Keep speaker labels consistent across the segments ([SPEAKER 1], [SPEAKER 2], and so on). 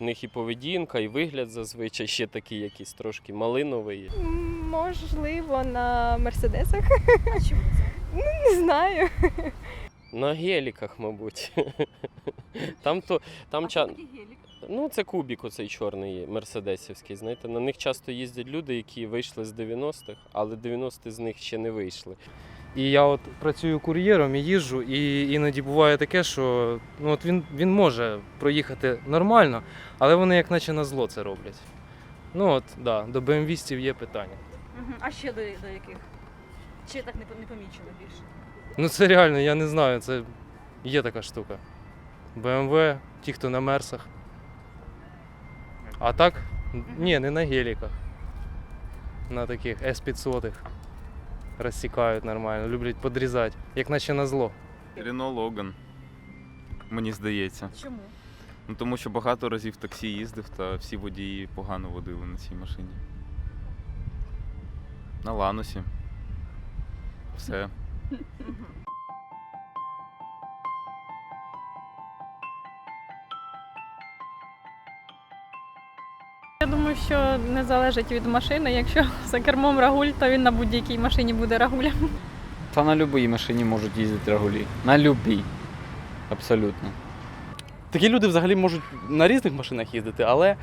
[SPEAKER 1] В них і поведінка, і вигляд зазвичай ще такий якийсь трошки малиновий.
[SPEAKER 2] Можливо, на мерседесах.
[SPEAKER 3] А чому це?
[SPEAKER 2] Не знаю.
[SPEAKER 1] На геліках, мабуть. Там
[SPEAKER 3] Такий гелік.
[SPEAKER 1] Ну, це кубік оцей чорний мерседесівський, знаєте. На них часто їздять люди, які вийшли з 90-х, але 90-ті з них ще не вийшли.
[SPEAKER 4] І я от працюю кур'єром і їжджу, і іноді буває таке, що ну, от він може проїхати нормально, але вони як наче на зло це роблять. Ну от, да, до БМВістів є питання.
[SPEAKER 3] А ще до яких? Чи так не помічено більше?
[SPEAKER 4] Ну це реально, я не знаю, це є така штука. БМВ, ті, хто на мерсах. А так, ні, не на геліках. На таких С-500 розсікають нормально, люблять подрізати, як наче на зло.
[SPEAKER 5] Рено Логан, мені здається.
[SPEAKER 3] Чому?
[SPEAKER 5] Ну, тому що багато разів в таксі їздив, та всі водії погано водили на цій машині. На Ланусі. Все.
[SPEAKER 6] Я думаю, що не залежить від машини. Якщо за кермом рагуль, то він на будь-якій машині буде рагулем.
[SPEAKER 7] Та на будь-якій машині можуть їздити рагулі. На будь-якій. Абсолютно.
[SPEAKER 8] Такі люди взагалі можуть на різних машинах їздити, але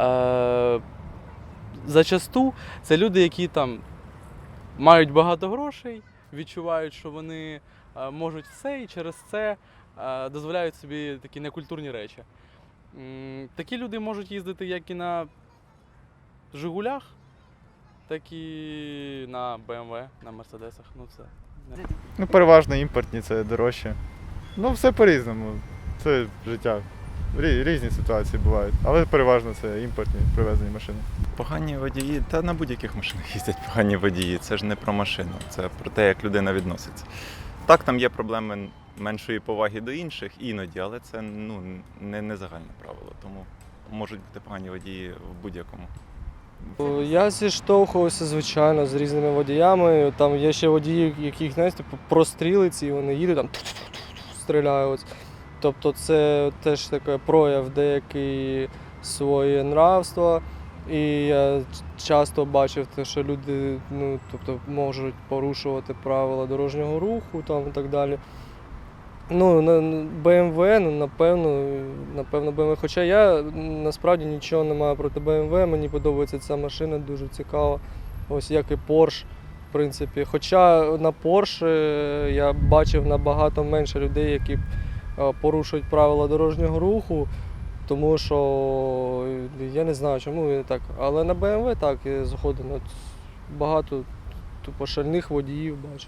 [SPEAKER 8] зачасту це люди, які там мають багато грошей, відчувають, що вони можуть все і через це дозволяють собі такі некультурні речі. Такі люди можуть їздити як і на Жигулях, так і на БМВ, на Мерседесах. Ну, це не...
[SPEAKER 9] Ну, переважно імпортні, це дорожче. Ну, все по-різному. Це життя. Різні ситуації бувають, але переважно це імпортні привезені машини.
[SPEAKER 10] Погані водії, та на будь-яких машинах їздять погані водії. Це ж не про машину, це про те, як людина відноситься. Так, там є проблеми меншої поваги до інших іноді, але це ну, не загальне правило, тому можуть бути погані водії в будь-якому.
[SPEAKER 11] Я зіштовхувався, звичайно, з різними водіями. Там є ще водії, яких, знаєте, прострілиці, і вони їдуть, там стріляють. Тобто це теж таке прояв деякої своє нравства. І я часто бачив те, що люди ну, тобто, можуть порушувати правила дорожнього руху там, і так далі. Ну, BMW, ну, напевно, BMW. Хоча я насправді нічого не маю проти BMW, мені подобається ця машина, дуже цікава. Ось як і Porsche, в принципі. Хоча на Porsche я бачив набагато менше людей, які порушують правила дорожнього руху, тому що я не знаю, чому так. Але на BMW так, я згоден. Багато тупо шальних водіїв бачу.